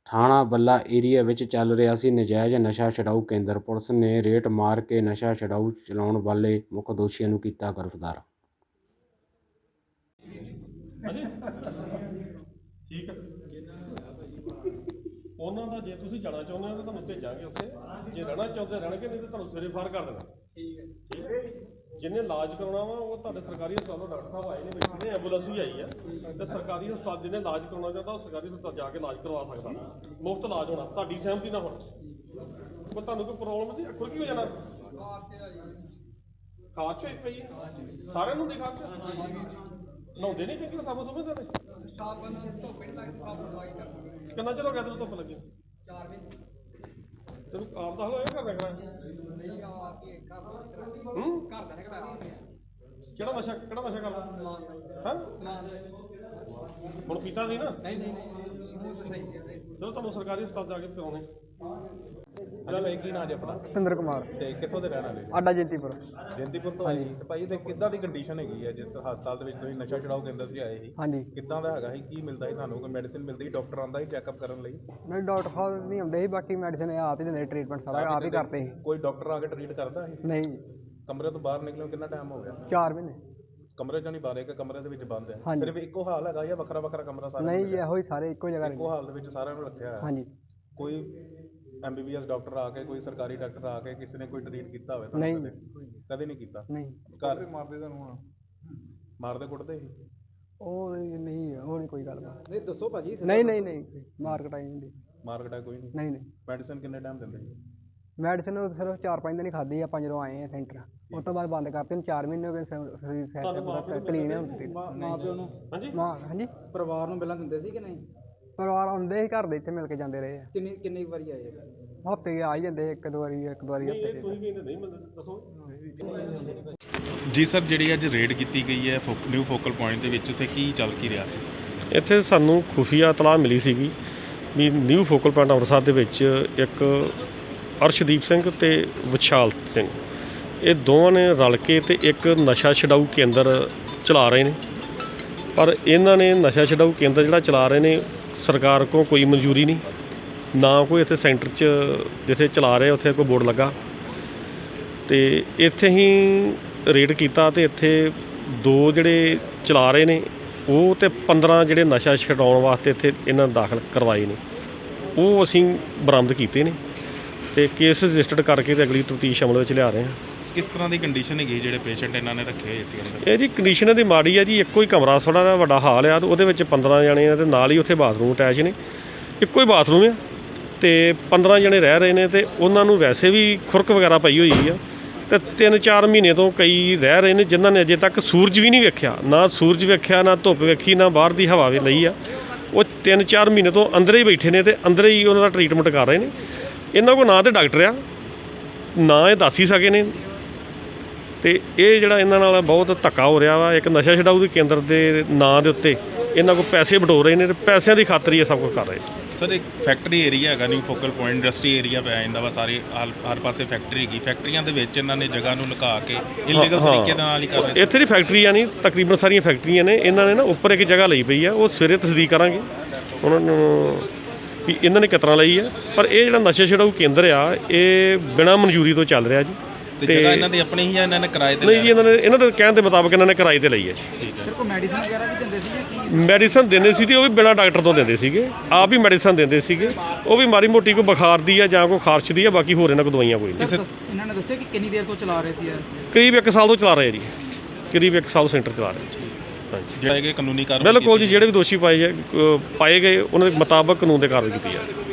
ਥਾਣਾ ਬੱਲਾ ਏਰੀਆ ਵਿੱਚ ਚੱਲ ਰਿਹਾ ਸੀ ਨਜਾਇਜ਼ ਨਸ਼ਾ ਛਡਾਊ ਕੇਂਦਰ। ਪੁਲਿਸ ਨੇ ਰੇਡ ਮਾਰ ਕੇ ਨਸ਼ਾ ਛਡਾਊ ਚਲਾਉਣ ਵਾਲੇ ਮੁੱਖ ਦੋਸ਼ੀਆਂ ਨੂੰ ਕੀਤਾ ਗ੍ਰਿਫਤਾਰ। ਠੀਕ ਹੈ, ਉਹਨਾਂ ਦਾ ਜੇ ਤੁਸੀਂ ਜਾਣਾ ਚਾਹੁੰਦੇ ਹੋ ਤਾਂ ਤੁਹਾਨੂੰ ਭੇਜਾਂਗੇ ਉੱਥੇ। ਜੇ ਰਹਿਣਾ ਚਾਹੁੰਦੇ ਰਹਿਣਗੇ, ਨਹੀਂ ਤਾਂ ਤੁਹਾਨੂੰ ਸਵੇਰੇ ਫਾਰ ਕਰ ਦੇਣਾ। ਠੀਕ ਹੈ, ਜਿਹਨੇ ਇਲਾਜ ਕਰਾਉਣਾ ਵਾ ਉਹ ਤੁਹਾਡੇ ਸਰਕਾਰੀ ਹਸਪਤਾਲੋਂ ਡਾਕਟਰ ਸਾਹਿਬ ਆਏ ਨੇ, ਬੈਠੇ ਨੇ, ਐਂਬੂਲੈਂਸ ਵੀ ਆਈ ਆ। ਤੇ ਸਰਕਾਰੀ ਹਸਪਤਾਲ ਜਿਹਨੇ ਇਲਾਜ ਕਰਾਉਣਾ ਚਾਹੁੰਦਾ ਉਹ ਸਰਕਾਰੀ ਹਸਪਤਾਲ ਜਾ ਕੇ ਇਲਾਜ ਕਰਵਾ ਸਕਦਾ। ਮੁਫਤ ਇਲਾਜ ਹੋਣਾ, ਤੁਹਾਡੀ ਸਹਿਮਤੀ ਨਾਲ ਹੋਣਾ। ਕੋਈ ਤੁਹਾਨੂੰ ਕੋਈ ਪ੍ਰੋਬਲਮ ਨਹੀਂ, ਅੱਖਰ ਕੀ ਹੋ ਜਾਣਾ? ਖਾਰਸ਼ ਹੋਈ ਪਈ ਹੈ, ਸਾਰਿਆਂ ਨੂੰ ਦੀ ਖਾਰਸ਼। ਨਹਾਉਂਦੇ ਨਹੀਂ ਚੰਗੀ ਸਾਬਣ ਸਮਝਦੇ ਨੇ? ਕਿੰਨਾ ਚਿਰ ਹੋ ਗਿਆ ਤੈਨੂੰ ਧੁੱਪ ਲੱਗੀ? 4 ਮਹੀਨੇ। ਤੈਨੂੰ ਆਪ ਦਾ ਹੋਇਆ ਘਰ ਰੱਖਣਾ? ਕਿਹੜਾ ਨਸ਼ਾ ਕਰਦਾ? ਹਾਂ, ਹੁਣ ਪੀਤਾ ਸੀ ਨਾ? ਚਲੋ ਤੁਹਾਨੂੰ ਸਰਕਾਰੀ ਹਸਪਤਾਲ ਜਾ ਕੇ ਕਰਾਉਣੇ। ਕੀ ਨਾਂ ਜੀ ਆਪਣਾ? ਸਤਿੰਦਰ ਕੁਮਾਰ। ਤੇ ਕਿੱਥੋਂ ਦੇ ਰਹਿਣ ਵਾਲੇ? ਆਡਾ ਜੈਂਤੀਪੁਰ। ਜੈਂਤੀਪੁਰ ਤੋਂ ਆਏ ਜੀ। ਤੇ ਭਾਈ ਤੇ ਕਿੱਦਾਂ ਦੀ ਕੰਡੀਸ਼ਨ ਹੈਗੀ ਹੈ ਜਿਸ ਹਸਪਤਾਲ ਦੇ ਵਿੱਚ ਤੁਸੀਂ ਨਸ਼ਾ ਛੁਡਾਊ ਕੇਂਦਰ 'ਚ ਆਏ ਸੀ? ਹਾਂਜੀ। ਕਿੱਦਾਂ ਦਾ ਹੈਗਾ ਸੀ? ਕੀ ਮਿਲਦਾ ਸੀ ਤੁਹਾਨੂੰ? ਕੋਈ ਮੈਡੀਸਿਨ ਮਿਲਦੀ ਸੀ? ਡਾਕਟਰ ਆਉਂਦਾ ਸੀ ਚੈੱਕਅਪ ਕਰਨ ਲਈ? ਨਹੀਂ, ਡਾਕਟਰ ਸਾਹਿਬ ਨਹੀਂ ਆਉਂਦੇ ਸੀ, ਬਾਕੀ ਮੈਡੀਸਿਨ ਆਪ ਹੀ ਦਿੰਦੇ, ਟ੍ਰੀਟਮੈਂਟ ਸਾਰਾ ਆਪ ਹੀ ਕਰਦੇ ਸੀ। ਕੋਈ ਡਾਕਟਰ ਆ ਕੇ ਟ੍ਰੀਟ ਕਰਦਾ ਸੀ? ਨਹੀਂ। ਕਮਰੇ ਤੋਂ ਬਾਹਰ ਨਿਕਲਣ ਕਿੰਨਾ ਟਾਈਮ ਹੋ ਗਿਆ? 4 ਮਹੀਨੇ। ਕਮਰੇ 'ਚੋਂ ਨਹੀਂ ਬਾਹਰ, ਇੱਕ ਕਮਰੇ ਦੇ ਵਿੱਚ ਬੰਦ ਹੈ? ਹਾਂਜੀ। ਸਿਰਫ ਇੱਕੋ ਹਾਲ ਹੈਗਾ ਜਾਂ ਵੱਖਰਾ ਵੱਖਰਾ ਕਮਰਾ ਸਾਰਾ? ਨਹੀਂ ਜੀ, ਇਹੋ ਹੀ ਸਾਰੇ ਇੱਕੋ ਜਗ੍ਹਾ ਇੱਕੋ ਹਾਲ ਦੇ ਵਿੱਚ ਸਾਰਿਆਂ ਨੂੰ ਰੱਖਿਆ ਹੋਇਆ? ਹਾਂਜੀ। ਕੋਈ MBBS ਡਾਕਟਰ ਆ ਕੇ, ਕੋਈ ਸਰਕਾਰੀ ਡਾਕਟਰ ਆ ਕੇ ਕਿਸੇ ਨੇ ਕੋਈ ਟ੍ਰੀਟ ਕੀਤਾ ਹੋਵੇ? ਨਹੀਂ। ਕਦੇ ਨਹੀਂ ਕੀਤਾ? ਨਹੀਂ। ਘਰ ਵੀ ਮਾਰਦੇ ਤੁਹਾਨੂੰ? ਹੁਣ ਮਾਰਦੇ ਕੁੱਟਦੇ ਸੀ? ਉਹ ਨਹੀਂ, ਉਹ ਨਹੀਂ ਕੋਈ ਗੱਲ ਬਾਤ। ਨਹੀਂ ਦੱਸੋ ਭਾਜੀ। ਨਹੀਂ ਮਾਰਕੀਟ ਆਈ ਹੁੰਦੀ। ਮਾਰਕੀਟ ਕੋਈ ਨਹੀਂ? ਨਹੀਂ। ਮੈਡੀਸਨ ਕਿੰਨੇ ਟਾਈਮ ਦਿੰਦੇ ਸੀ? ਮੈਡੀਸਨ ਉਹ ਸਿਰਫ 4-5 ਦਿਨ ਹੀ ਖਾਧੀ ਆਪਾਂ ਜਦੋਂ ਆਏ ਆ ਸੈਂਟਰ। ਉਸ ਤੋਂ ਬਾਅਦ ਬੰਦ ਕਰਤੇ। 4 ਮਹੀਨੇ ਹੋ ਗਏ, ਕਲੀਨ ਹੈ ਹੁਣ। ਮਾਂ ਪਿਓ ਨੂੰ? ਹਾਂਜੀ। ਹਾਂਜੀ। ਪਰਿਵਾਰ ਨੂੰ ਪਹਿਲਾਂ ਦਿੰਦੇ ਸੀ ਕਿ ਨਹੀਂ? ਪਰਿਵਾਰ ਆਉਂਦੇ ਸੀ, ਘਰ ਦੇ ਇੱਥੇ ਮਿਲ ਕੇ ਜਾਂਦੇ ਰਹੇ ਆ। ਕਿੰਨੀ ਵਾਰੀ ਆਏ? ਹਫ਼ਤੇ ਆ ਹੀ ਜਾਂਦੇ, ਇੱਕ ਦੋ ਵਾਰੀ ਹਫ਼ਤੇ 'ਚ। ਕੋਈ ਨਹੀਂ ਮਿਲਦਾ, ਦੱਸੋ ਜੀ ਸਰ, ਜਿਹੜੀ ਅੱਜ ਰੇਡ ਕੀਤੀ ਗਈ ਹੈ ਨਿਊ ਫੋਕਲ ਪੁਆਇੰਟ ਦੇ ਵਿੱਚ, ਉੱਥੇ ਕੀ ਚੱਲ ਕੀ ਰਿਹਾ ਸੀ? ਇੱਥੇ ਸਾਨੂੰ ਖੁਫੀਆ ਇਤਲਾਹ ਮਿਲੀ ਸੀਗੀ ਵੀ ਨਿਊ ਫੋਕਲ ਪੁਆਇੰਟ ਅੰਮ੍ਰਿਤਸਰ ਦੇ ਵਿੱਚ ਇੱਕ ਅਰਸ਼ਦੀਪ ਸਿੰਘ ਤੇ ਵਿਸ਼ਾਲ ਸਿੰਘ, ਇਹ ਦੋਵਾਂ ਨੇ ਰਲ ਕੇ ਤੇ ਇੱਕ ਨਸ਼ਾ ਛਡਾਊ ਕੇਂਦਰ ਚਲਾ ਰਹੇ ਨੇ। ਪਰ ਇਹਨਾਂ ਨੇ ਨਸ਼ਾ ਛਡਾਊ ਕੇਂਦਰ ਜਿਹੜਾ ਚਲਾ ਰਹੇ ਨੇ, ਸਰਕਾਰ ਕੋਲ ਕੋਈ ਮਨਜ਼ੂਰੀ ਨਹੀਂ, ਨਾ ਕੋਈ ਇੱਥੇ ਸੈਂਟਰ 'ਚ ਜਿੱਥੇ ਚਲਾ ਰਹੇ ਉੱਥੇ ਕੋਈ ਬੋਰਡ ਲੱਗਾ। ਤੇ ਇੱਥੇ ਹੀ ਰੇਡ ਕੀਤਾ ਤੇ ਇੱਥੇ 2 ਜਿਹੜੇ ਚਲਾ ਰਹੇ ਨੇ ਉਹ ਤੇ 15 ਜਿਹੜੇ ਨਸ਼ਾ ਛਡਾਉਣ ਵਾਸਤੇ ਇੱਥੇ ਇਹਨਾਂ ਦਾਖਲ ਕਰਵਾਏ ਨੇ, ਉਹ ਅਸੀਂ ਬਰਾਮਦ ਕੀਤੇ ਨੇ ਤੇ ਕੇਸ ਰਜਿਸਟਰਡ ਕਰਕੇ ਤੇ ਅਗਲੀ ਤਫਤੀਸ਼ ਅਮਲ ਵਿੱਚ ਲਿਆ ਰਹੇ ਹਾਂ। ਕਿਸ ਤਰ੍ਹਾਂ ਦੀ ਕੰਡੀਸ਼ਨ ਹੈਗੀ ਜਿਹੜੇ ਪੇਸ਼ੈਂਟ ਇਹਨਾਂ ਨੇ ਰੱਖੇ ਹੋਏ ਸੀ ਅੰਦਰ? ਇਹ ਜੀ ਕੰਡੀਸ਼ਨ ਇਹਦੀ ਮਾੜੀ ਆ ਜੀ। ਇੱਕੋ ਹੀ ਕਮਰਾ ਥੋੜ੍ਹਾ ਜਿਹਾ ਵੱਡਾ ਹਾਲ ਆ ਤੇ ਉਹਦੇ ਵਿੱਚ 15 ਜਣੇ ਆ ਤੇ ਨਾਲ ਹੀ ਉੱਥੇ ਬਾਥਰੂਮ ਅਟੈਚ ਨੇ। ਇੱਕੋ ਹੀ ਬਾਥਰੂਮ ਆ ਤੇ 15 ਜਣੇ ਰਹਿ ਰਹੇ ਨੇ ਤੇ ਉਹਨਾਂ ਨੂੰ ਵੈਸੇ ਵੀ ਖੁਰਕ ਵਗੈਰਾ ਪਈ ਹੋਈ ਆ ਤੇ 3-4 ਮਹੀਨੇ ਤੋਂ ਕਈ ਰਹਿ ਰਹੇ ਨੇ ਜਿਨ੍ਹਾਂ ਨੇ ਅਜੇ ਤੱਕ ਸੂਰਜ ਵੀ ਨਹੀਂ ਵੇਖਿਆ, ਨਾ ਸੂਰਜ ਵੇਖਿਆ, ਨਾ ਧੁੱਪ ਵੇਖੀ, ਨਾ ਬਾਹਰ ਦੀ ਹਵਾ ਵੀ ਲਈ ਆ। ਉਹ 3-4 ਮਹੀਨੇ ਤੋਂ ਅੰਦਰ ਹੀ ਬੈਠੇ ਨੇ ਤੇ ਅੰਦਰ ਹੀ ਉਹਨਾਂ ਦਾ ਟਰੀਟਮੈਂਟ ਕਰ ਰਹੇ ਨੇ। ਇਹਨਾਂ ਕੋਲ ਨਾ ਤਾਂ ਡਾਕਟਰ ਆ, ਨਾ ਇਹ ਦੱਸ ਹੀ ਸਕੇ ਨੇ। ਤੇ ਇਹ ਜਿਹੜਾ ਇਹਨਾਂ ਨਾਲ ਬਹੁਤ ਧੱਕਾ ਹੋ ਰਿਹਾ ਵਾ, ਇੱਕ ਨਸ਼ਾ ਛਡਾਊ ਦੇ ਕੇਂਦਰ ਦੇ ਨਾਂ ਦੇ ਉੱਤੇ ਇਹਨਾਂ ਕੋਲ ਪੈਸੇ ਬਟੋਰ ਰਹੇ ਨੇ ਤੇ ਪੈਸਿਆਂ ਦੀ ਖਾਤਰ ਹੀ ਇਹ ਸਭ ਕੁਝ ਕਰ ਰਹੇ। ਸਰ, ਇੱਕ ਫੈਕਟਰੀ ਏਰੀਆ ਹੈਗਾ new focal point, industry area ਪੈ ਜਾਂਦਾ ਵਾ, ਸਾਰੇ ਹਰ ਪਾਸੇ ਫੈਕਟਰੀ ਹੈਗੀ। ਫੈਕਟਰੀਆਂ ਦੇ ਵਿੱਚ ਇਹਨਾਂ ਨੇ ਜਗ੍ਹਾ ਨੂੰ ਲੁਕਾ ਕੇ ਇਲੀਗਲ ਤਰੀਕੇ ਦੇ ਨਾਲ ਹੀ ਕਰ ਰਹੇ। ਇੱਥੇ ਦੀ ਫੈਕਟਰੀਆਂ ਨਹੀਂ, ਤਕਰੀਬਨ ਸਾਰੀਆਂ ਫੈਕਟਰੀਆਂ ਨੇ। ਇਹਨਾਂ ਨੇ ਨਾ ਉੱਪਰ ਇੱਕ ਜਗ੍ਹਾ ਲਈ ਪਈ ਆ, ਉਹ ਸਵੇਰੇ ਤਸਦੀਕ ਕਰਾਂਗੇ ਉਹਨਾਂ ਨੂੰ ਵੀ ਇਹਨਾਂ ਨੇ ਕਿਤਨਾ ਲਈ ਆ। ਪਰ ਇਹ ਜਿਹੜਾ ਨਸ਼ਾ ਛਡਾਊ ਕੇਂਦਰ ਆ, ਇਹ ਬਿਨਾਂ ਮਨਜ਼ੂਰੀ ਤੋਂ ਚੱਲ ਰਿਹਾ ਜੀ। ਤੇ ਜਗ੍ਹਾ ਇਹਨਾਂ ਦੀ ਆਪਣੀ ਹੀ ਆ, ਇਹਨਾਂ ਨੇ ਕਿਰਾਏ ਤੇ? ਨਹੀਂ ਜੀ, ਇਹਨਾਂ ਦੇ ਕਹਿਣ ਦੇ ਮੁਤਾਬਕ ਇਹਨਾਂ ਨੇ ਕਿਰਾਏ ਤੇ ਲਈ ਹੈ ਜੀ। ਠੀਕ ਹੈ। ਸਿਰ ਕੋਈ ਮੈਡੀਸਨ ਵਗੈਰਾ ਵੀ ਦਿੰਦੇ ਸੀ? ਮੈਡੀਸਨ ਦਿੰਦੇ ਸੀ ਤੇ ਉਹ ਵੀ ਬਿਨਾਂ ਡਾਕਟਰ ਤੋਂ ਦਿੰਦੇ ਸੀਗੇ, ਆਪ ਹੀ ਮੈਡੀਸਨ ਦਿੰਦੇ ਸੀਗੇ। ਉਹ ਵੀ ਮਾੜੀ ਮੋਟੀ ਕੋਈ ਬੁਖਾਰ ਦੀ ਆ ਜਾਂ ਕੋਈ ਖਾਰਸ਼ ਦੀ ਆ, ਬਾਕੀ ਹੋਰ ਇਹਨਾਂ ਕੋਲ ਦਵਾਈਆਂ ਕੋਈ ਨਹੀਂ। ਇਹਨਾਂ ਨੇ ਦੱਸਿਆ ਕਿ ਕਿੰਨੀ ਦੇਰ ਤੋਂ ਚਲਾ ਰਹੇ ਸੀ? ਕਰੀਬ 1 ਸਾਲ ਤੋਂ ਚਲਾ ਰਹੇ ਜੀ, ਕਰੀਬ 1 ਸਾਲ ਸੈਂਟਰ ਚਲਾ ਰਹੇ। ਜਿਹੜਾ ਕਿ ਕਾਨੂੰਨੀ ਕਾਰਵਾਈ ਬਿਲਕੁਲ ਜੀ, ਜਿਹੜੇ ਵੀ ਦੋਸ਼ੀ ਪਾਏ ਗਏ ਉਹਨਾਂ ਦੇ ਮੁਤਾਬਕ ਕਾਨੂੰਨ ਦੇ ਕਾਰਵਾਈ ਕੀਤੀ ਜਾਵੇ।